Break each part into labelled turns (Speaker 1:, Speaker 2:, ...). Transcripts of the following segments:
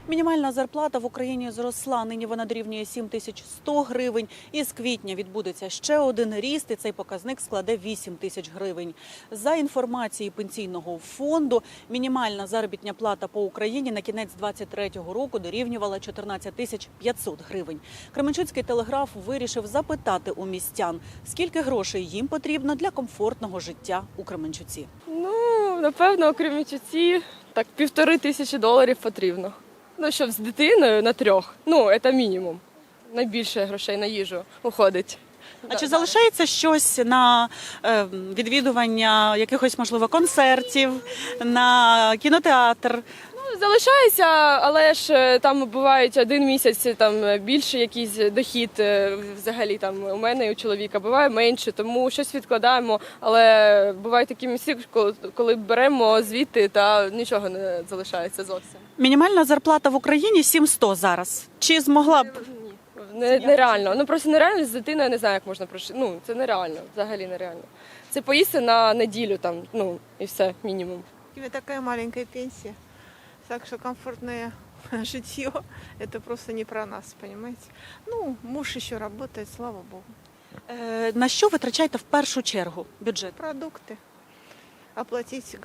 Speaker 1: Мінімальна зарплата в Україні зросла. Нині вона дорівнює 7100 гривень. І з квітня відбудеться ще один ріст, і цей показник складе 8 тисяч гривень. За інформацією Пенсійного фонду, мінімальна заробітна плата по Україні на кінець 2023 року дорівнювала 14 тисяч 500 гривень. Кременчуцький телеграф вирішив запитати у містян, скільки грошей їм потрібно для комфортного життя у Кременчуці.
Speaker 2: Напевно, у Кременчуці так $1500 потрібно. Щоб з дитиною на 3. Це мінімум. Найбільше грошей на їжу уходить.
Speaker 1: А чи залишається щось на відвідування якихось, можливо, концертів, на кінотеатр?
Speaker 2: Залишається, але ж там бувають один місяць там більше якийсь дохід взагалі там у мене і у чоловіка, буває менше, тому щось відкладаємо, але бувають такі місяці, коли беремо звідти та нічого не залишається зовсім.
Speaker 1: Мінімальна зарплата в Україні 700 зараз. Чи змогла б?
Speaker 2: Нереально. Просто нереально з дитиною, я не знаю, як можна прожити. Це нереально, взагалі нереально. Це поїсти на неділю там, і все, мінімум.
Speaker 3: У меня такая маленькая пенсия, так что комфортное житье – это просто не про нас, понимаете? Муж еще работает, слава богу.
Speaker 1: На що витрачаєте в першу чергу бюджет?
Speaker 3: Продукты, оплатить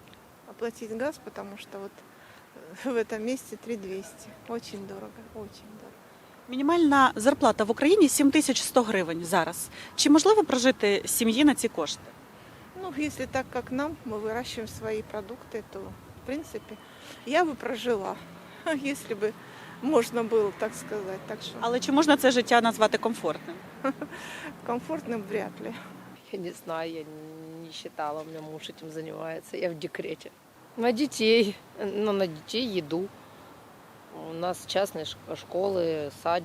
Speaker 3: газ, потому что вот в этом месте 3200. Очень дорого, очень дорого.
Speaker 1: Мінімальна зарплата в Україні 7100 гривень зараз. Чи можливо прожити сім'ї на ці кошти?
Speaker 3: Если так, как нам, мы выращиваем свои продукты, то, в принципе, я бы прожила, если бы можно было так сказать. Так что
Speaker 1: Але чи можна це життя назвати комфортним?
Speaker 3: комфортным вряд ли.
Speaker 4: Я не знаю, я не считала, у меня муж этим занимается, я в декрете. На детей, на детей еду. У нас частные школы, сад.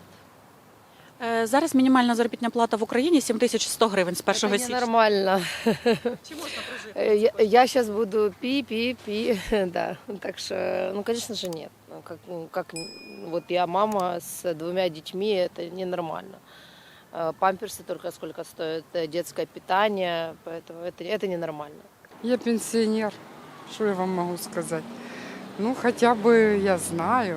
Speaker 1: Зараз мінімальна заробітна плата в Україні 7100 гривень з 1
Speaker 4: Это
Speaker 1: січня.
Speaker 4: ненормально.
Speaker 1: Чи можна прожити?
Speaker 4: Я сейчас буду пи, да. Так что, конечно же, нет. Вот я мама с 2 детьми, это ненормально. Памперсы только сколько стоят, детское питание, поэтому это ненормально.
Speaker 5: Я пенсионер, что я вам могу сказать? Хотя бы я знаю,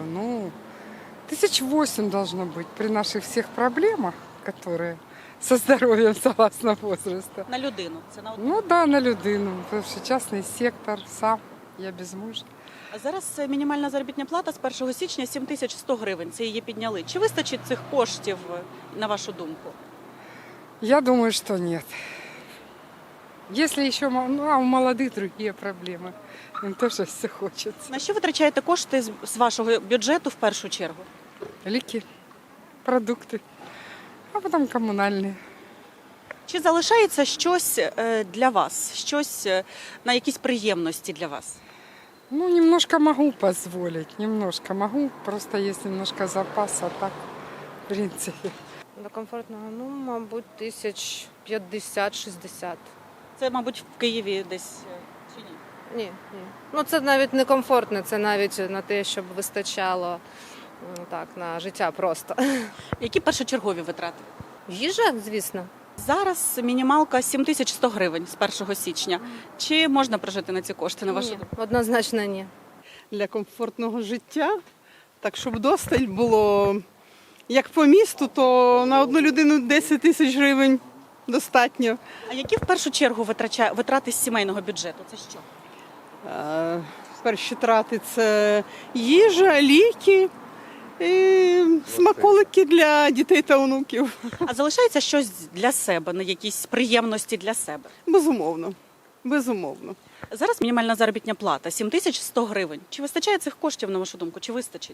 Speaker 5: 1800 должно быть при наших всех проблемах, которые со здоровьем согласно возраста.
Speaker 1: На людину. Це на одну.
Speaker 5: На людину, потому что частный сектор, сам, я без мужа.
Speaker 1: А зараз мінімальна заробітна плата з 1 січня 7100 гривень. Це її підняли. Чи вистачить цих коштів, на вашу думку?
Speaker 5: Я думаю, что нет. Если еще, у молодых другие проблемы, им тоже все хочется.
Speaker 1: На що витрачаєте кошти з вашого бюджету в першу чергу?
Speaker 5: Лики, продукты, а потом коммунальные.
Speaker 1: Чи залишається щось для вас? Щось на якісь приємності для вас?
Speaker 5: Немножко могу позволить, немножко могу, просто есть немножко запаса, а так, в принципе.
Speaker 6: До комфортного, мабуть, 1050-60.
Speaker 1: Це, мабуть, в Києві десь чи ні?
Speaker 6: Ні. Це навіть не комфортно, це навіть на те, щоб вистачало на життя просто.
Speaker 1: Які першочергові витрати?
Speaker 6: Їжа, звісно.
Speaker 1: Зараз мінімалка 7100 гривень з 1 січня. Чи можна прожити на ці кошти, на вашу
Speaker 6: Ні,
Speaker 1: думку?
Speaker 6: однозначно ні.
Speaker 7: Для комфортного життя, так щоб досталь було, як по місту, то на одну людину 10 тисяч гривень достатньо.
Speaker 1: А які в першу чергу витрати з сімейного бюджету? Це що?
Speaker 7: Перші трати – це їжа, ліки, і смаколики для дітей та онуків.
Speaker 1: А залишається щось для себе, на якісь приємності для себе?
Speaker 7: Безумовно, безумовно.
Speaker 1: Зараз мінімальна заробітна плата 7100 гривень. Чи вистачає цих коштів, на вашу думку? Чи вистачить?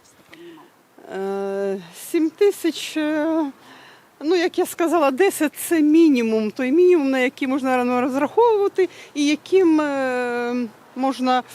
Speaker 7: 7 тисяч, як я сказала, 10 – це мінімум. Той мінімум, на який можна розраховувати і яким можна,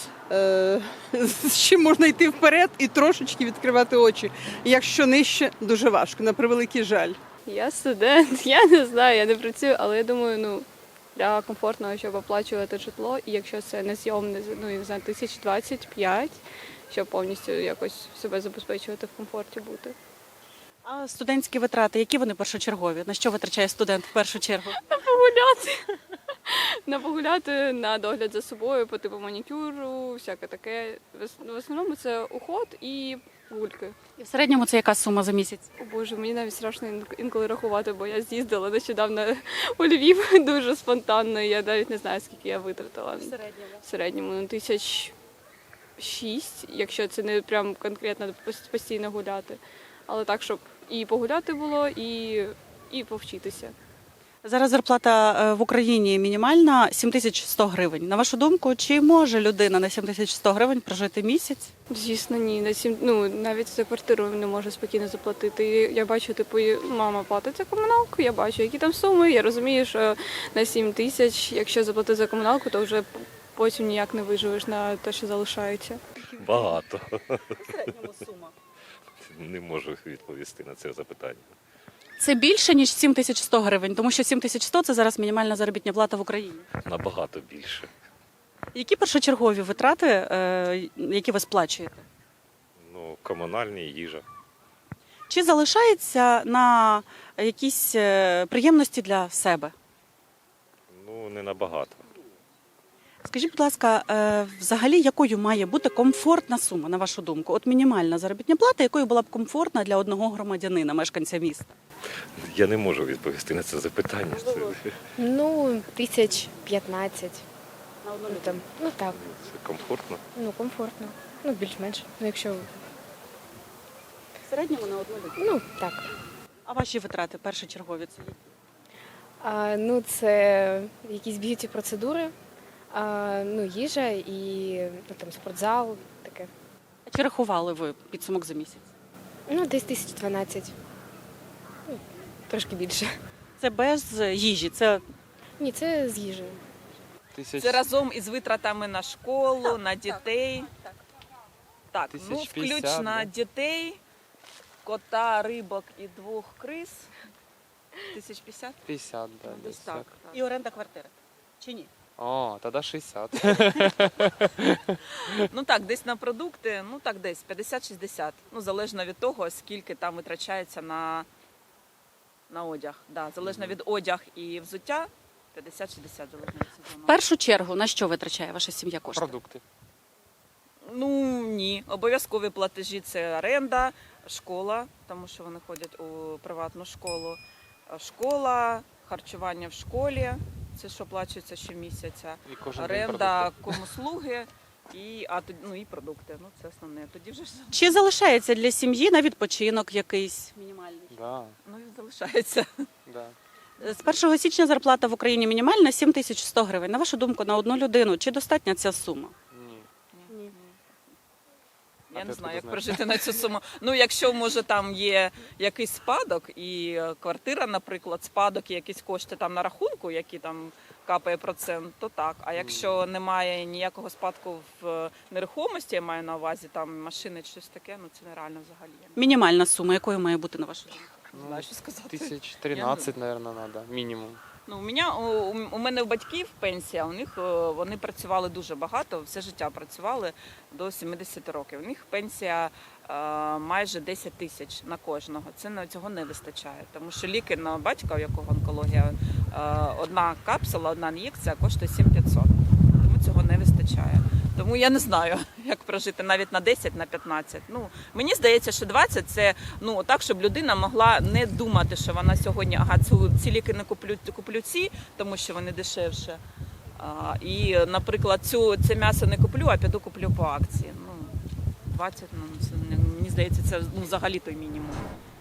Speaker 7: з чим можна йти вперед і трошечки відкривати очі. Якщо нижче, дуже важко, на превеликий жаль.
Speaker 8: Я студент, я не знаю, я не працюю, але я думаю, для комфортного, щоб оплачувати житло, і якщо це не зйомне, 1025, щоб повністю якось себе забезпечувати в комфорті бути.
Speaker 1: А студентські витрати, які вони першочергові? На що витрачає студент в першу чергу?
Speaker 8: Погуляти. на погуляти, на догляд за собою, по типу манікюру, всяке таке. В основному це уход і гульки.
Speaker 1: І в середньому це яка сума за місяць?
Speaker 8: О Боже, мені навіть страшно інколи рахувати, бо я з'їздила нещодавно у Львів дуже спонтанно. І я навіть не знаю, скільки я витратила. В середньому 1006, якщо це не прям конкретно постійно гуляти. Але так, щоб і погуляти було, і повчитися.
Speaker 1: Зараз зарплата в Україні мінімальна 7100 гривень. На вашу думку, чи може людина на 7100 гривень прожити місяць?
Speaker 8: Звісно, ні. Навіть за квартиру не можу спокійно заплатити. Я бачу, типу, мама платить за комуналку, я бачу, які там суми. Я розумію, що на 7 тисяч, якщо заплатити за комуналку, то вже потім ніяк не виживеш на те, що залишається.
Speaker 9: Багато.
Speaker 1: В середньому сума.
Speaker 9: Не можу відповісти на це запитання.
Speaker 1: Це більше, ніж 7100 гривень, тому що 7100 – це зараз мінімальна заробітна плата в Україні.
Speaker 9: Набагато більше.
Speaker 1: Які першочергові витрати, які ви сплачуєте?
Speaker 9: Ну, комунальні, їжа.
Speaker 1: Чи залишається на якісь приємності для себе?
Speaker 9: Ну, не набагато.
Speaker 1: Скажіть, будь ласка, взагалі, якою має бути комфортна сума, на вашу думку? От мінімальна заробітна плата, якою була б комфортна для одного громадянина, мешканця міста?
Speaker 9: Я не можу відповісти на це запитання.
Speaker 10: Ну, 1015.
Speaker 1: На одну
Speaker 10: Ну, там, ну так,
Speaker 9: Це комфортно.
Speaker 10: ну комфортно. Ну, більш-менш. Ну, якщо.
Speaker 1: В середньому на одну людину.
Speaker 10: Ну, так.
Speaker 1: А ваші витрати першочергові це які?
Speaker 10: Ну, це якісь б'юті-процедури, ну, їжа і ну, там, спортзал, таке.
Speaker 1: А чи рахували ви підсумок за місяць?
Speaker 10: Ну, десь 1012. Ну, трошки більше.
Speaker 1: Це без їжі, це
Speaker 10: Ні, це з їжею.
Speaker 11: Це разом із витратами на школу, на дітей. Так, ну
Speaker 12: 1050,
Speaker 11: включно
Speaker 12: да?
Speaker 11: дітей, кота, рибок і 2 криз. 1050?
Speaker 12: 50, да,
Speaker 11: Десь так.
Speaker 1: і оренда квартири. Чи ні?
Speaker 12: О, тогда 60.
Speaker 11: Ну так, десь на продукти, ну так десь 50-60. Ну, залежно від того, скільки там витрачається на одяг. Да, залежно від одяг і взуття, 50-60 залежно від сезону.
Speaker 1: В першу чергу, на що витрачає ваша сім'я кошти?
Speaker 12: Продукти.
Speaker 11: Ну ні, обов'язкові платежі це оренда, школа, тому що вони ходять у приватну школу. Школа, харчування в школі, це що оплачується щомісяця.
Speaker 12: І кожен день
Speaker 11: Оренда,
Speaker 12: продукти.
Speaker 11: комуслуги і продукти. Ну це основне. Тоді вже ж
Speaker 1: Чи залишається для сім'ї на відпочинок якийсь мінімальний?
Speaker 12: Да,
Speaker 11: ну і залишається.
Speaker 12: да.
Speaker 1: З 1 січня зарплата в Україні мінімальна 7100 гривень. На вашу думку, на одну людину, чи достатня ця сума?
Speaker 12: Ні.
Speaker 11: Я
Speaker 12: А
Speaker 11: не
Speaker 12: де
Speaker 11: знаю,
Speaker 12: ти
Speaker 11: як
Speaker 12: знаєш?
Speaker 11: прожити на цю суму. Ну, якщо, може, там є якийсь спадок і квартира, наприклад, спадок і якісь кошти там на рахунку, які там капає процент, то так. А якщо немає ніякого спадку в нерухомості, я маю на увазі там машини чи щось таке, ну це нереально взагалі. Я
Speaker 1: Мінімальна сума, якою має бути, на вашу думку?
Speaker 11: не знаю, що сказати.
Speaker 12: 1013, наверное, надо, мінімум.
Speaker 11: Ну, у мене у батьків пенсія, у них вони працювали дуже багато, все життя працювали до 70 років. У них пенсія майже 10 тисяч на кожного. Цього не вистачає, тому що ліки на батька, у якого онкологія, одна капсула, одна ін'єкція коштує 7500. Тому цього не вистачає. Тому я не знаю, як прожити навіть на 10, на 15. Ну, мені здається, що 20 – це так, щоб людина могла не думати, що вона сьогодні, ці ліки не куплю ці, тому що вони дешевше. І, наприклад, це м'ясо не куплю, а піду куплю по акції. 20, мені здається, це взагалі той мінімум.